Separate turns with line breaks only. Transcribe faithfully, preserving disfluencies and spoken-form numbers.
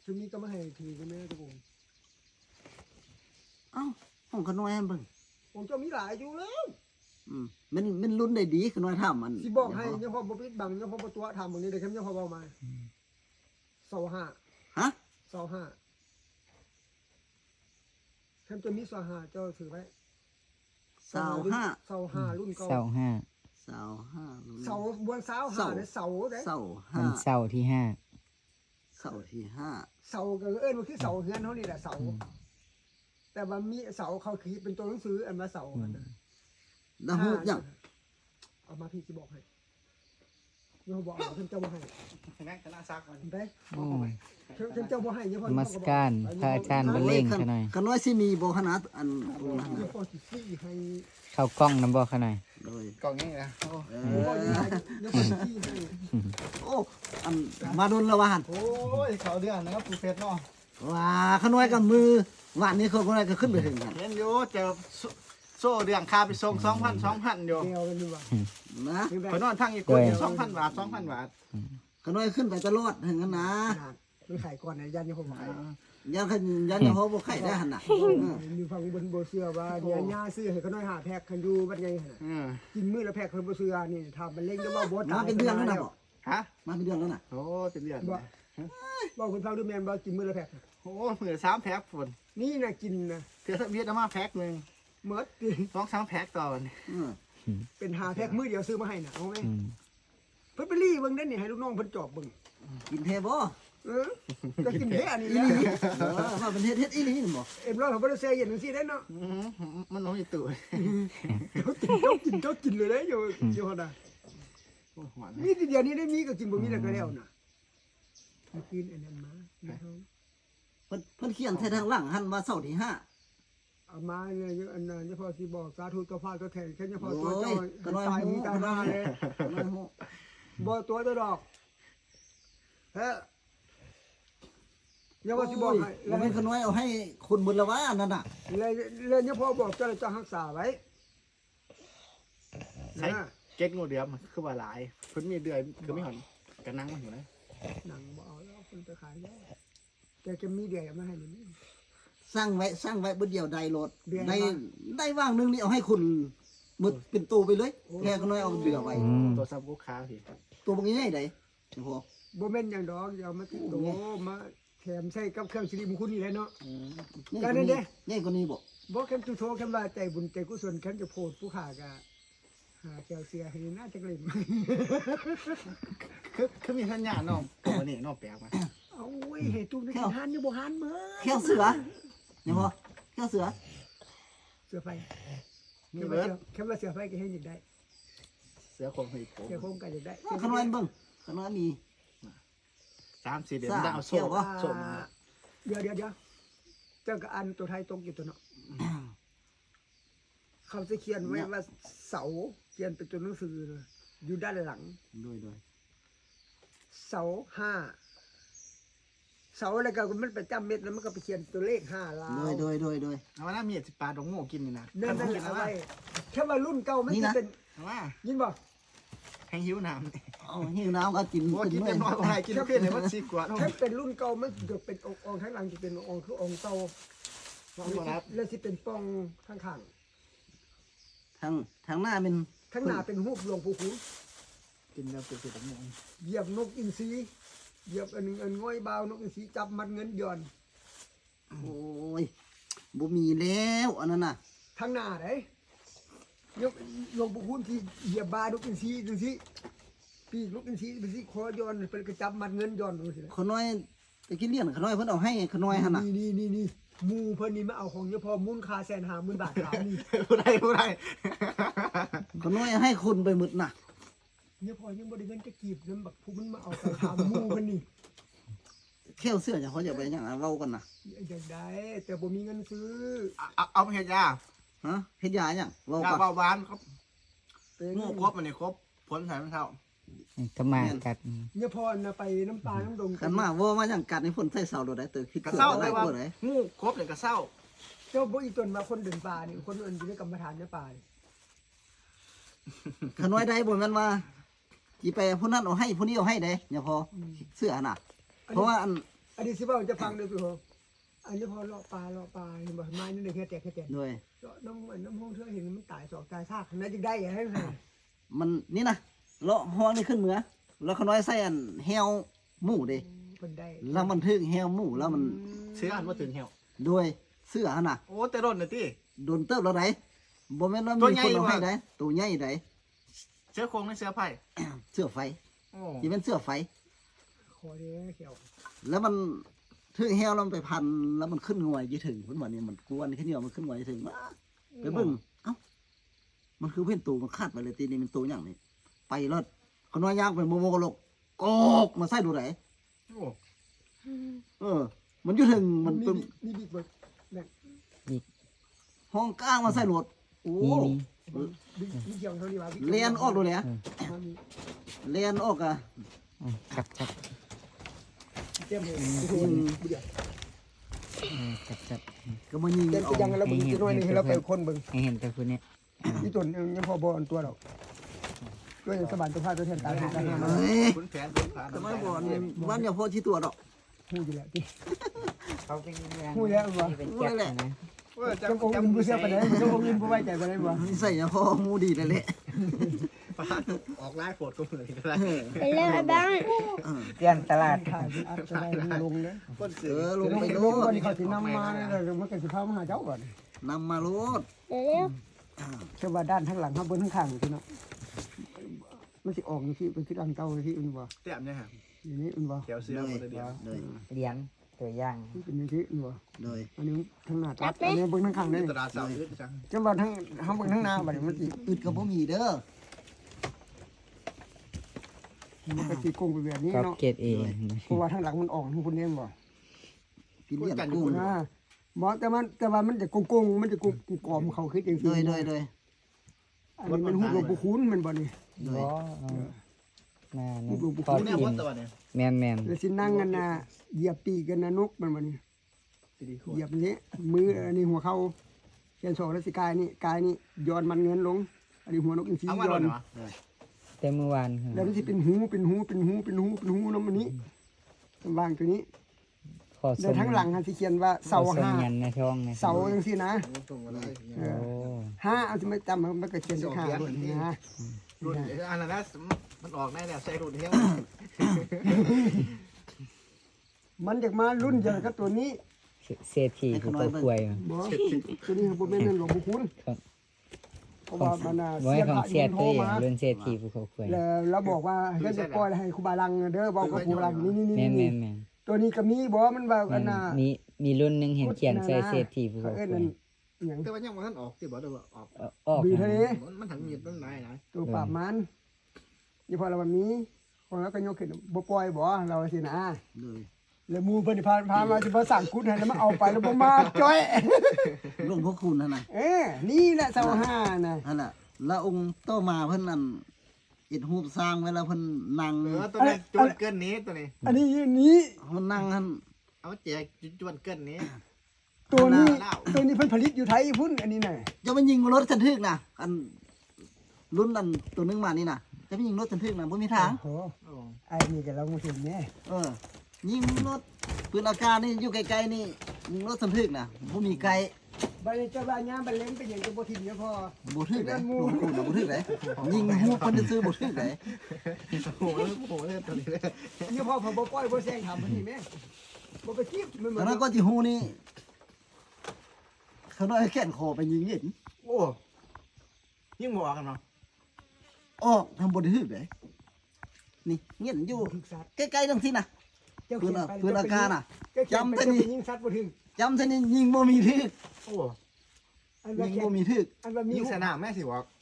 ซึ่งมีก็มาให้ทีก็แม่ตะโกน
เอ้าห้องขน้อยเบิ่ง
ผมจะมีหลายอยู่แล้ว
อืมมันมันลุ้นได้ดีขน้อยถามมัน
สิบอกให้ยังพอบ่ปิดบังยังพอบ่ตัวทำตรงนี้เดี๋ยวเข้มยังพอเบามาเสาห้า
ฮะ
เสาห้าเข้มจะมีเสาห้าเจ้าถือไว้
สาวห้า
เสาห้ารุ่นเก่า
เสาห้า
สาวห้าลุ้น
เสาบนเสาห้าเนี่ยเสาเด้
เสา
วั
ห้าน
เสาร์ที่ห้า
เสาที่ห้า
เสาก็เอิ้นว่าคือเสาเฮือนเฮานี่แหละเสาแต่ว่ามีเสาเขาคือเป็นตัวหนังสืออันว่าเสาอันนั้น
แล้วฮู้ยัง
เอามาพี่สิบอกให้ยังบอกเอาเข้มเจ้าบ่ให้
คณะคณะซักมัน
ได้
โอ้ย
เข้มเจ้าบ่ให้ยังพอน
มัสการพระอาจารย์บรรเลงซะหน่อย
ขน้อยสิมีบ่ขนาดอันตรงนั้น
ยัง
น่ะ
พอสิซี่ให้
เข้ากล้องน้ำบ่ขนาด
โดย
กล่องนี้นะโอ้
เอ
ยังพอ
อ
ยังให้ยังพอสิซี่ให้
โอ้อันมาโดนและวาน
โอ้ยเขาเดือนนะครับปูเพชรเนาะ
ว่าขน้อยกับมือวานนี้เขาขน้อยก็ขึ้นไปถึงกัน
เห็นอยู่เจอโซ่เดือนคาไปส่งสองพันสองพันอยู่
เดียวกันดีกว่า
นะ
ไปนอนทั้งอีกคนสองพันบาทสองพันบาท
ขน้อยขึ้นไปตลอดถึงกันนะ
มันขายก่อนนะยันยังผมขาย
ยันขยันจะเขาบ่ไข่ได้หั่นน่ะ
มีฟังบนโบเชื่อว่าเนี่ยย่าซื้อให้เขาน้อยหาแพ็คคันอยู่บัดไงหั่น
อืม
กินมื้อละแพ็คคนบ่เชื่อนี่ถ้ามันเล่งก็ว่าบ่
มา
ตาย
เป็นเดือนแล้วนะบ่
ฮะ
มาเป็นเดือนแล้วน่ะ
โอ้เป็นเดือน
บ่บ่คนฟังดูแม่นบ่กินมื้อละแพ็ค
โอ้เหมือนสามแพ็คฝน
นี่น่ะกินนะ
เถื่อสเวียดมาแพ็คหนึ่ง
หมด
สองสามแพ็คต่อวัน
อืม
เป็นหาแพ็คมื้อเดียวซื้อมาให้น่ะเอาไหม
อืม
เพิ่นไปรีเบิ่งนั่นนี่ให้ลูกน้องเพิ่นจอบเบิ่ง
กินเทบ่
เออจะกินแท้อันนี้
อี
แห
หลี
ละ
เออว่าเป็นเฮ็ดเฮ็ดอีหลีนี่บ่
เอ็มร้อยเขาบ่ได้เสียเย็นจังซี่ได้เนาะ
อืมมันน้องอีตู่
เจ้ากินเจ้ากินเจ้ากินเลยเด้อยู่อยู่หั่นน่ะ
โอ้หวาน
มีแต่เดียวนี้ได้มีก็กินบ่มีแล้วก็แล้วน่ะเมื่อคืนอันนั้นมาในห้อง
เพิ่นเพิ่นเขียนแท้ทางหลังหั่นว่าเสาร์ที่ห้า
เอามาเนี่ยอันนั้นเฉพาะสิบอกสาธุตัวพาตัวแทนแค่เฉพาะตัว
โอ้
เจ้าย
ก็น้อย
ตาย
หู
มีตายหน้าเลย
ก็น้อยหู
บ่ตัวตัวดอกเฮ้ยเดี๋ยวว่าสิบอกให้
บ่แม่นขน้อยเอาให้คุณบุญละว่าอันนั้นน่ะ
เลยเลยเนี่ยพ่อบอกเจ้าจะรักษาไว้
ใช่
นะ
เก็ตงูเดือมคือว่าหลายเพิ่นมีเดือยคือไม่หอนกระนังมันอยู่เลย
หนังบ่เอาแล้วคนไปขายแล้วแกจะมีเดียวมาให้นี่
สร้างไว้สร้างไว้บ่เดียวใดโลด
เดือน
ได้
ละ
ได้ว่างหนึงนี่เอาให้คุณหมดเป็นตู้ไปเลยแค่ขน้อยเอาเดือไว้
อืม
ตัวซับลูกค้าสิ
ตัวบ่ง่ายๆได้โอ้โห
บ่แม่นอย่างดอกอย่าเอามาติดโตมาแถมใส่กับเครื่องสิริมงคลนี่แหละเนาะ
ง่ายกว่านี้ง่ายกว่านี้บ่
บ่แค่ตุโทแค่ว่าใจบุญใจกุศลแค่จะโพดผู้ขากะหาแก้วเสียให้น่าจะเล่น
คือคือมีสัญญาณน้องตัวนี้น้องแปลกมา
เอาเว้ยให้ตุ้มได้กินหันอยู่บ่หันมื้อ
แค่เสือเนี่ยบ่แค่เสือ
เสือไฟ
มี
แค่
เบิ
ว่า
ร์ด
เสือแค่ว่าเสือไฟก็ให้ยินได้
เสือคงหีบ
เสือโคงก็จะได้
ขน้อยเบิ่งขน้อยมี
สามสี่เดือน
สาม
ได้เอา
เที่
โซ่
ยววะ
โซ่มา
เดี๋ยวเดี๋ยวเดี๋ยวเจ้าก็อันตัวไทยตรงอยู่ตัวเนาะเขาจะเขียนไว้ว่าเสาเขียนเป็นตัวหนังสือเลยอยู่ด้านหลัง
โดยโดย
เสาห้าเสาอะไรก็มันไปจำเม็ดแล้วมันก็ไปเขียนตัวเลขห้าลา
โด
วย
โดยโดยโดย
เอาว่าน้ามีสิปลาดงโง่กินนี่นะ
นั่นนั่น
กิน
เอา
เอาว่า
ไว้แค่ว่ารุ่นเก่ามัน
นี่
จะ
นะ
เป็น
เอาว่า
ยินบ่
แห้งหิวน้ำ
เอาหิวน้ำก็กิน
ว่ากิน
เมื่
เต็มน้อยกว่าให้กินเพี้ยนเลยว่าสิบกว่าเนาะ
แค่เป็นรุ่นเก่ามันจะเป็นองค์องค์ข้างหลังจะเป็นองค์คือองค์เก่า
ครับ
แล้วสิเป็นปองข้างข้าง
ทางทางหน้าเป็น
ข้างหน้าเป็นรูปหลวงปู่ขุน
กินแล้วเป็นสิบดงโง่
เหยียบนกอินทรีเหยียบอันหนึงอันง่อยบาวนกอินทรีจับมัดเงินหย่อน
โอ้ยบ่มีแล้วอันนั้นน่ะ
ทางหน้าไหนยกหลวงปู่ขุนที่เหยียบบานกอินทรีดูสิปีกนกอินทรีดูสิคอย้อนเป็นกระจับมัดเงินหย่อนดูสิ
ขน้อยตะกี้เลี้ยงขน้อยเพิ่นเอาให้ขน้อยหั่นน่ะ
นี่นี่นี่นี่หมูเพิ่นนี่มาเอาของเฉพาะมูลค่าแสนห้าหมื่นบาทถามนี่
ผู้ใดผู้ใด
ขน้อยให้คุณไปหมดน่ะ
เนี่ยพอยังบ่ได้เงินจะกีบนั้นบักผู้มันมาเอาไปถามหมูเพิ่นนี่
แค่เสื้อจะเขาจะไปหยังอะเว้ากันน่ะ
อยากได้แต่บ่มีเงินซื้อ
เอาเอาไปเฮ็ดยา
ฮะเฮ็ดยาหยังเว้าย
า
ก่อน
เบาหวานครับ
เป็น
งูครบมันนี่ครบผลใส่มันเท่า
ก็มากัด
เนี่ยพอน่ะไปน้ำปลาน้ำดง
กันมาว่ามาหยังกัดให้ฝนใส่เสาโดดได้เตอคิด
กระ
เสื้อ
เซ้า
อะไร
เลยว่า
บ่ได้
งูครบเนี่ยกระเซ้า
เจ้าบ่อีตนมาคนเดินป่านี่คนอื่นอยู่ในกรรมฐานในป่านี่
ขน้อยได้บ่แม่นว่าสิไปผู้นั้นเอาให้ผู้นี้เอาให้ได้อย่าพอเสื้อน่ะ เพราะว่าอัน
อันนี้สิว่าจะฟังด้วยพี่โหอันนี้พอเลาะปลาเลาะปลาเห็นบ่ไม้นี่ได้แค่แตกแค่แตก
ด้วย
เลาะน้ำมันน้ำห้องเธอเห็นมันตายสอกตายซากขนาดจึงได้ให้ให้
มันนี่นะเลาะห้องนี่ขึ้นเหมือแล้วเขาน้อยใส่อันแฮวหมูเด้
เพิ่นได้
แล้วมันถึงแฮวหมูแล้วมัน
เสื้ออันว่าถึงเหี่ยว
ด้วยเสื้อหั่นน่ะ
โอ้แต่ร่นน่ะติ
โดนเติบแล้วไหนบ่แม่นว่า
ตัว
มี
ใหญ่
คนเอาให้
ว่ะ
ได้ตัวใหญ่ได้
เสื้อโครงในเสื้อไผ่
เสื้อไฟ
โอ้
ที่เป็นเสื้อไฟ
คอเด้เขียว
แล้วมันถึงแฮวแล้วมันไปพันแล้วมันขึ้นงวยยี่ถึงเพิ่นว่านี่มันกวนขึ้นเหนียวมันขึ้นงวยยี่ถึงมาไปเบิ่งเอ้ามันคือเพิ่นตูมันคาดไปเลยตีนี่มันตูหยังนี่ไปรถเขาน้อยยางไปโมโมกะโลกกอกมาใส่ดูไหน
โอ้
เออ มันอยู่ถึงมัน
มี
เป็น
มีบิ๊กเบิด
ห้องกลางมาใส่รถโอ้
มีมี
บิ๊กบิ๊กเขียวเท่านี้ว่า
เลียนออกดูแหละ
มันมี
เลียนออกอ่ะ
อืมครับครับ
เต็มเลย
อืม
เออครับครับ
ก็มายิง
เต็ม
อ
ไป
อก
ยังแล้วมึงจะน้อยนี่ให้เราไปคนเบิ่ง
ให้เห็นแต่คนเนี้ย
นี่ตัวยังพอบ่อันตัวดอกด้วยสบานตัวพาตัวแทนตายกัน
เฮ้ย
คุณแผนคุณผาน
ทำไมบอกนี่บ้านอย่าพอชี้ตัวดอก
ฮู้อยู่แล้วที่
เขาเป็นยังไง
ฮู้แล้วบ่
เป็นแก๊ปนะ
โอ้ย
จังองค์อินบ่เชื่อปานใดจังองค์อินบ่ไว้ใจปานใดบ่
นี่ใส่อย่าพอมูดีเลยแหละ
ออกไลฟ์โฟดก็เหมือนกันได้
ไปเร็วไอ้บ้าง
เออ
เปลี่ยนตลาด
ถ่ายเป็นอัพจะได้ลงเด้อ
คน
เอ
สื่อ
อล
ล
ง
ง
ไป
ไป
โล
ลงก่อน
ด
นี่เขาสินำมาเลยมันก็สิพามาหาเจ้าก่อน
นำมาโลด
เร็ว
เชื่อว่าด้านข้างหลังข้างบนข้างข้างที่เนาะมันสิออกอยู่ที่เป็นที่ดังเก่าที่อื่นบ่
เต็มเนี่ยฮะ
อย่างนี้อื่นบ่
แถวเสื้อหมดเลยเดียว
เลย
เลี้ยงตัวอย่าง
ที่เป็นอย่างที่อื่นบ่
เลย
อันนี้ทั้งหน้าตัดอันนี้เบิ่งทั้งข้าง
นี่
นี่
ตลาดเสาร์ยืดจัง
จังว่าทั้งทำเบิ่งทั้งหน้าบัดนี้มันสิ
อึดกับบ่มีเด้อ
มันก็สิโกงไปแบบนี้
ก็
เนาะ
เกตเอง
เพราะว่าทางหลังมันออกทางคนนี้บ่
กินเลี้ยงกุ้ง
อ่าบ่แต่มันแต่ว่ามันจะโกงๆมันจะกงกอมเขาคือจัง
โด
ซี่
ยโดยโดย
อันนี้มันฮู้หลวงปู่คูณมันบ่นี่
โดย
บ่น่า
ลู
นี่
กๆ
พอ
เนี่ย
กิ
วัน ดตัวเนี่ย
แมนแมน
แล้วสินั่งกันน่ะเหยียบปีกกันนะนกมันบ่นี่
ดีโค
เหยียบนี้มืออันนี้หัวเข้าเขียนสองแล้วสิกายนี่กายนี่ย้อนมันเงินลง อันนี้หัวนกอินทรี
เอามา
ย้
โด
อน น
เหรอ
แต่เมื่อวาน
แล้วมันสิเป็นหูเป็นหูเป็นหูเป็นหูเป็นหูน้ำมันนี้วางตัวนี้
ขอ
แล้
ส่
ว
ง
ทั้งหลังหันสิเขียนว่าเสา
ขอส่ง
ห้า
ยันในช่องนะ
เสาจังซี่นะ
ตรงอะไร
เอ
โอ้
อห้าเอาสิมาจำมันก็เขียนด้วยห้าด้วยนะ
รุ่นอันนั้นมันออกแน่แล้วใส่รุ่นเที่ยว
มันอยากมารุ่นเดียวกับตัวนี้
เศรษฐีผู้ป่วย
บ่ตัวนี้บ่แม่นนั่นหลวงปู่คุณเพราะว่ามันน่ะ
ไว้
เสีย
ของ
พระ
เสีย
โท
ตั
ร
วเอง
มา
เรื่องเศรษฐีผู้ป่วย
แล้วเราบอกว่าให้จะปล่อยให้ครูบาลังเด้อบอกกับครูบาลังนี่นี่
แม
นี่
นแม
นี่
นแมน
ตัวนี้ก็มีบ่มันว่าอันน่ะ
มีมีรุ่นหนึ่งเห็นเขียนใส่เศรษฐีผู้
เขา
ป่
เอิ้น
ว
นั่
ย
นหยัง
แต่ว่ายังมันออกที่บอกเดี๋ยวออก
ออก
บีทะเล
มันถังมีดมันไหนนะ
ตัวปราบมันนี่พอเรามันมีพอแล้วก็ยกขึ้นบ่ปล่อยบ่เราสินะ
เลย
แล้วหมู่เพิ่นพาพามาสิมาสั่งกุดให้แล้วมาเอาไปแล้วบ่มาจ้อย
หลวงพ่อคุณนั่นน่ะ
เอ้นี่แหละเสาห้าน่ะ
นั่นน่ะแล้วองค์โตมาเพิ่นนั่นอิฐรูปสร้างไว้แล้วเพิ่นนั่ง
เออตัวนี้จวนเกินนี้ตัวนี้
อันนี้นี้
เพิ่นนั่งหั่น
เอาแจกจวนเกินนี้
ตัวนี้
เล่า
ตัวนี้เพิ่นผลิตอยู่ไทยพุ่นอันนี้น่ะ
จะมันยิงรถกันทึกน่ะอันรุ่นอันตัวนึงมานี่น่ะจะไปยิงรถกันทึกน่ะบ่มีทาง
โอ้
โอ้
ไอ้นี่ก็เราบ่เห็นแน่
เออยิงรถปืนอากาศนี่อยู่ไกลๆนี่ยิงรถกันทึกน่ะบ่มีไกล
บัดนี้เจ้าบ้านยามบัดเล้งเป็นหยังก็บ่ทิ่มเด้อพ่อ
บ่ทึกได้หลวงปู่น่ะบ่ทึกได้ยิงฮู้เพิ่นจะซื้อบ่ทึกได้
โหโหเลยตัวนี้เลย
นี่พ่อผมบ่ปล่อยบ่แซงถามเพิ่นนี่แม่บ่ไปจีบมันเหมื
ต
อ
อน นนั้นก็สิฮู้นี่เขาน้อยแขนคอไปยิงเห็น
โอ้ยิ่งบอกกันเนาะ
ออกทำบ่ได้ทึกได้นี่เงี้ยอยู่
ถึกสัตว์
ใกล้ๆจังซี่น่ะ
เจ้า
ปื
เขี
น
ยน
อะ
ไป
ปืนอากาศน่ะ
จำ
จำแต่
แต่
นี่
นี่ยิงสัตว์บ่ถึง
จำซะนี่ยิงบ่มีทึก
โอ้
อันว่า
ยิง
แค่
บ่มีทึก
อันว่ามี
ยิ่งสนามแม่สิบอก